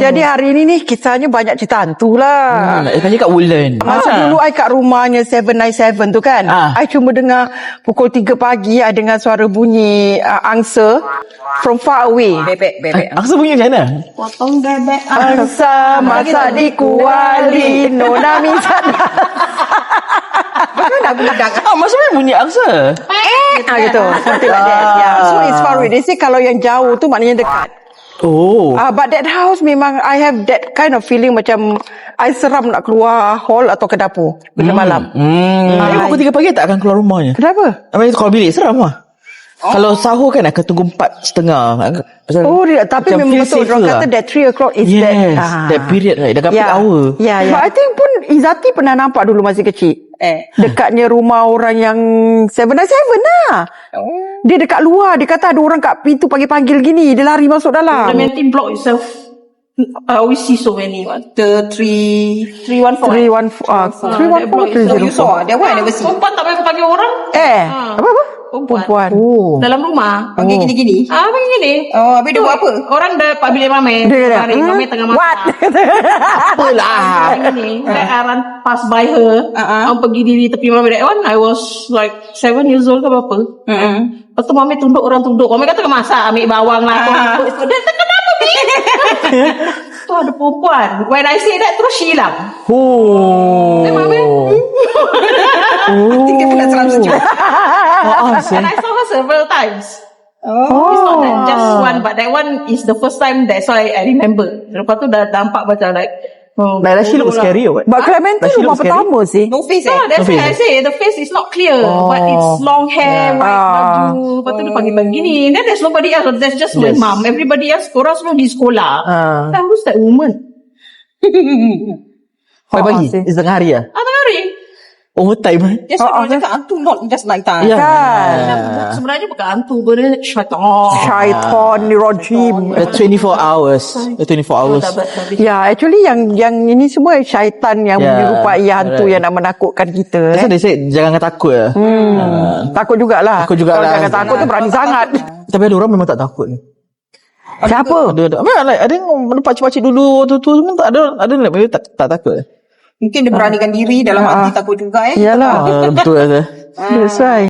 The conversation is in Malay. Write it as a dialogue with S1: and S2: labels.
S1: jadi hari ni kisahnya banyak cerita hantu lah.
S2: Nak tanya kat Woodland.
S1: Masa dulu I kat rumahnya 797 tu kan. I cuma dengar pukul 3 pagi I dengar suara bunyi angsa from far away.
S3: Bebek.
S2: Angsa bunyi macam mana?
S3: Potong bebek.
S1: Angsa masak di kuali nona misana.
S3: Mana budak?
S2: Macam mana bunyi angsa?
S1: Gitu. Something like that. Yeah. So it's far away. They say kalau yang jauh tu maknanya dekat.
S2: Oh.
S1: But that house memang I have that kind of feeling macam I seram nak keluar hall atau ke dapur bila malam.
S2: Pukul 3 pagi tak akan keluar rumahnya.
S1: Kenapa?
S2: Kalau bilik seram lah. Kalau sahur kan akan tunggu 4:30.
S1: Oh, tapi memang betul orang kata that 3 o'clock is
S2: that period right. Dah peak hour.
S1: Yeah. But I think pun Izzati pernah nampak dulu masih kecil. Dekatnya rumah orang yang 797 lah. Dia dekat luar. Dia kata ada orang kat pintu panggil-panggil gini. Dia lari masuk dalam.
S3: Clementi block itself, I always see so many. The 314.
S1: 314.
S3: You saw? That one I never see. Perempuan tak boleh panggil orang.
S1: Apa? Perempuan.
S3: Dalam rumah.
S1: Panggil gini-gini.
S3: Panggil gini.
S1: Oh, habis dia buat apa?
S3: Orang dah pak bilik Mame. Mame tengah masak.
S1: What?
S3: Apalah. Gini. That I run pass by her. Orang pergi diri tepi Mame. That one I was like 7 years old ke berapa. Lepas tu Mame tunduk, orang tunduk. Mame kata tengah masak. Ambil bawang lah. Dia kenapa ni? Tu ada perempuan. When I say that terus she hilang. Mame. I think dia pernah seram sejauh. And I saw her several times. It's not that just one, but that one is the first time. That's why I remember. Lepas tu dah nampak macam like.
S2: Like she looks scary or what?
S1: But Clementi rumah pertama sih.
S3: No face that's why I say the face is not clear. But it's long hair, white baju. Lepas tu dia panggil begini. Then there's nobody else. There's just my mom. Everybody else, korang semua di sekolah. Then who's that woman?
S2: Pagi? Tengah hari lah?
S3: Tengah hari.
S2: Overtime.
S3: Yes, orang cakap hantu not just night time.
S1: Kan?
S3: Sebenarnya bukan hantu, benda
S1: Syaitan ni rajim.
S2: 24 hours. 24 hours.
S1: Ya, actually yang ini semua syaitan yang menyerupai hantu yang nak menakutkan kita.
S2: So they say jangan takut lah.
S1: Takut jugalah.
S2: Takut jugalah.
S1: Kalau jangan takut tu berani sangat.
S2: Tapi ada orang memang tak takut.
S1: Siapa?
S2: Ada yang pakcik-pakcik dulu tu semua tak ada memang tak takut.
S3: Mungkin dia beranikan diri dalam hati takut juga.
S1: Yalah.
S2: Betul lah.
S1: That's right.